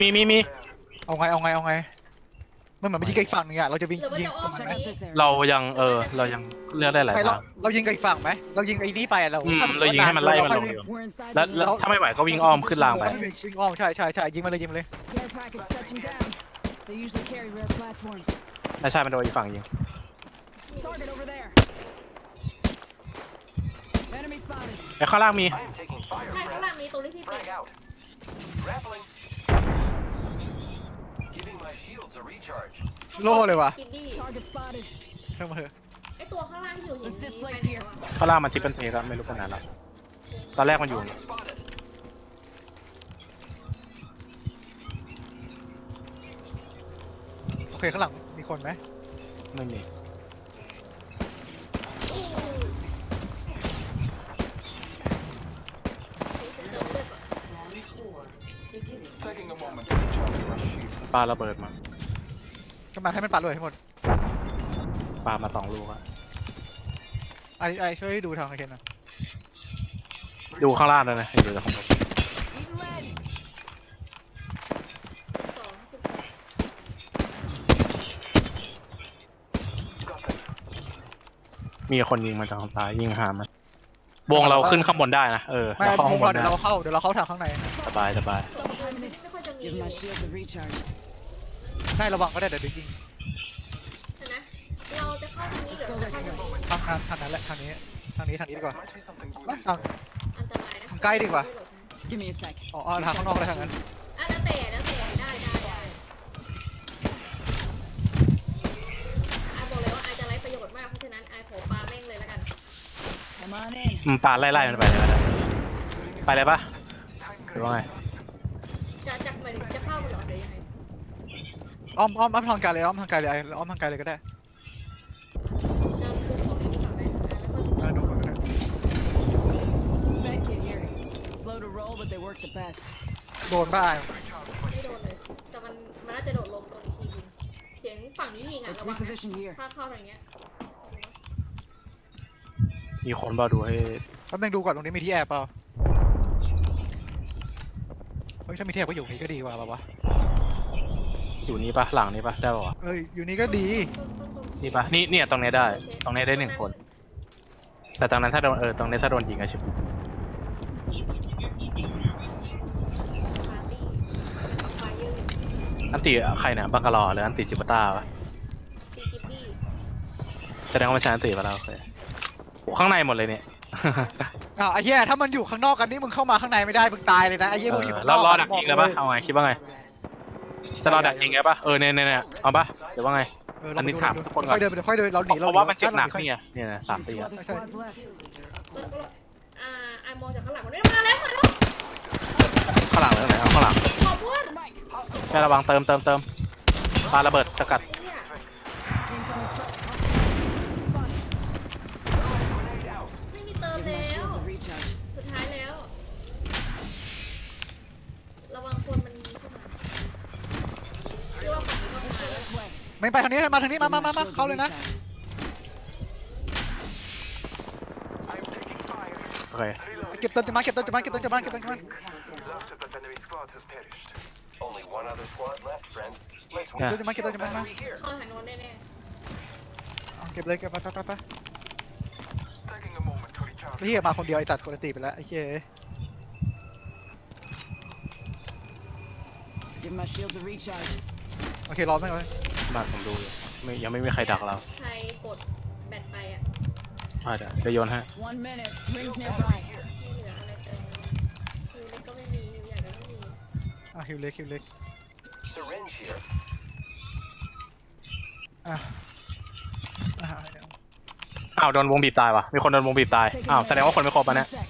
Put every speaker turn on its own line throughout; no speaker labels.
มี
เอาไงมันเหมือนมันยิงไกลฝั่งนึงอะเราจะยิง
หรือว่า
ยิง
จะอ้อม
มัน
ไห
ไห
ม
ม
เรายังเรายังเลือกได้หลาย
ไม่
ทาง
เรายิงไกลฝั่งไหมเรายิงไอ้นี่ไปเรา
เรายิงให้มันไล่มันลงอยู่
We're inside
แล้ว
the
แล้ว
ring.
ถ้าไม่ไหวก็วิ่งอ้อมขึ้นรางไป
วิ่งอ้อมใช่ยิงมาเลยยิงมาเลย
Care package touching down. They usually carry rare platforms.
ใช่มันโดนอีกฝั่งยิง
Target over there. Enemy spotted.
ไอ้ข้างล่างมี
I am taking fire.
ใช่ข้างล่างมีตรงที่พี่ปิด
Frag out. Grappling. Giving my shields a recharge.
โล่เลยว่ะ
กินดี้
Target spotted.
เพิ่มมาเถอะ
ไอตัวข้างล่างที่อยู่หิน
Let's displace
ไปไหน
here.
วะ
ข้างล่างมันทิปเป็นเทก็ไม่รู้ขนาดแล้วตอนแรกมันอยู่
Target spotted.
โอเคข้างหลังมีคนไหม
ไม่มี
Taking a moment to recharge my shields.
ปาระเบิดมา
ก็มาให้มันปัดเลยทั้งหมด
ปามา2 ลูกอะ
ไอช่วยดูทางไอเคนหนะ
ดูข้างล่างด้วยนะดูจากข้างบน
Eating lead.
มีคนยิงมาจากทางซ้ายยิงหามันวงเราขึ้นข้างบนได้นะ
ไม่
เราเข้า
พว
ข้าก งบ
เรา
น
เดี๋
ได้
ยวเราเข้าทางข้างใน
สบาย
Double timing it.
ไม่ค่อยจะมี
Give my shield a recharge.
ได้ระวังก็ได้เดี๋ยวยิง
นะเราจะเข้าทางนี้หรือจะเข้าทางนี้
ทางนั้นแหละทางนี้ดีกว่า
Might be something good
ทาง
อันตรายนะ
ทางใกล้ดีกว่า
Give me a sec.
อ๋อทางข้างนอกเลยทางนั้น
อ่ะแล้วแต่ได้ไอบอกเลยว่าไอจะไร้ประโยชน์มากเพราะฉะนั้นไอขอปาแม่งเลยแล้วกัน
Come on in.
ปาไล่มันไปเลยไปเลยปะหรือว่าไง
จะหมายถึงจะเข้ามันเหรอหรือยังไง
อ้อมทางไกลเลยอ้อมทางไกลเลยก็ได้
จะดูของที่นี่ก่อนไหมแล้วก็
ดูก่อนก็ได้
Medkit here. Slow to roll, but they work the best.
โดนบ้า
ไม่โดนเลยแต่มันน่าจะโดดลงโดนอีกทียิงเสียงฝั่งนี้ยิงอ่ะ
Let's
ระวังนะ
reposition here.
ถ้าเข้าทางเนี้ย
มีคนบอดูให้
แป๊บนึงดูก่อนตรงนี้มีที่แอบเปล่าเฮ้ยถ้ามีที่แอบก็อยู่นี่ก็ดีกว่าป่าวะ
อยู่นี่ปะหลังนี้ปะได้ปะวะ
เอ้ยอยู่นี่ก็ดี
นี่ปะเนี่ยตรงนี้ได้ ตรงนี้ได้1 คน แต่ตรงนั้นถ้าโดนตรงนี้ถ้าโดนยิงอะชิบ
ปาร์ตี้เป็นไฟยืด
อันติใครเนี่ยบังกะลอหรืออันติจิปต้าวะ
ซีจิปปี้
แสดงว่ามันใช้อันติมาแล้วโอเคโอ้ข้างในหมดเลยเนี่ย
อ้าวไอ้เหี้ยถ้ามันอยู่ข้างนอกกันนี่มึงเข้ามาข้างในไม่ได้มึงตายเลยนะไอ้เหี้ยมึงอยู่ข้างน
เรา
อก
รอดักยิงเลยปะเอาไงคิดว่าไงจะรอดักยิงไงปะเนี่ยเอาปะเดี๋ยวว่าไง อันนี้ถามทุกคนก่อน
ค่อยเดินเราหนี
เพราะว่ามันเจ็บหนักเนี่ย3 ตี
Two
อะ
other squads left.
ไอมองจากข้างหลังมันมาแล้ว
ข้างหลังเลยไหนเอาข้างหลัง
ขอบคุณ
แค่ระวังเติมปาระเบิดสกัด
ไอ้เนี่ย
Incoming threat. Spotted.
ไม่มีเติม
Give
แล้
my
ว
shields a recharge.
สุดท้ายแล้ว ระวังคนมันมีขึ้นมาเรียกว่าฝั่งนี้เข้ามาแล้ว
This way.
ไม่ไปทางนี้มาทางนี้
Give my
มา
shields a
เข้าเลยนะ
recharge.
I am taking fire.
โอเค
เก็บเติมจะมา
Last of the enemy squad has perished. Only one other squad left, friend. Let's
Yeah.
win.
Get them,
Battery here.
เข้าทางโน้นแน่
เก็บเลยเก็บไป
Taking a moment to recharge.
เฮียมาคนเดียวไอ้สัตว์คนละตีไปแล้วไอ้เหี้ย
Give my shields a recharge.
โอเครอแม่งเลย
มาผมดูอยู่ยังไม่มีใครดักเรา
ๆใครกดแบตไปอ่ะ
เดี๋ยวโยนให้
1 minute. Rings nearby.
ไม่เหลืออะไรเติมฮิวเล็กก็ไม่มีฮิวใหญ่ก็ไม่มี
ฮิวเล็ก
Syringe here.
อ่ะ
อ้าวโดนวงบีบตายวะมีคนโดนวงบีบตาย
Taking
อ้าว
a
แสดงว่าคนไม่ครบ
One
อ่ะเนี่ย
sec.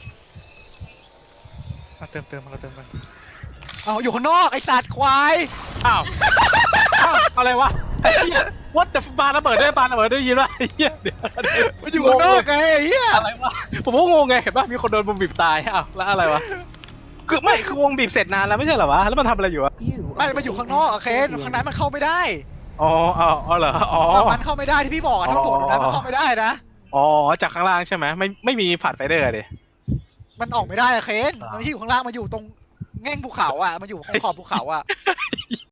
เติมกันเอาอยู่ข้างนอกไอ้สัตว์ควาย
อ้าวอะไรวะไอ้เหี้ย what the ปาระเบิดได้ยินว่าไอ้เหี้ยเดี๋ยว
มันอยู่ข้างนอกไงไอ้เหี้ย
อะไรวะผมก็งงไงเห็นป่ะมีคนโดนวงบีบตายอ้าวแล้วอะไรวะคือวงบีบเสร็จนานแล้วไม่ใช่เหรอวะแล้วมันทำอะไรอยู่อะ
You
ไม่
are
มัน
the
อยู่ข้างนอกอะ
defense
เคนข้างใน
champions.
มันเข้าไม่ได้
อ๋อเหรออ๋อ
มันเข้าไม่ได้ที่พี่บอกอะถ้าโดดตรงนั้นมันเข้าไม่ได้นะ
อ๋อจากข้างล่างใช่ไหมไม่มีผ่านไฟเดอร์ดิ
มันออกไม่ได้อะเคนมันที่อยู่ข้างล่างมันอยู่ตรงแง่งภูเขาอ่ะมันอยู่ขอบภูเขาอ่ะ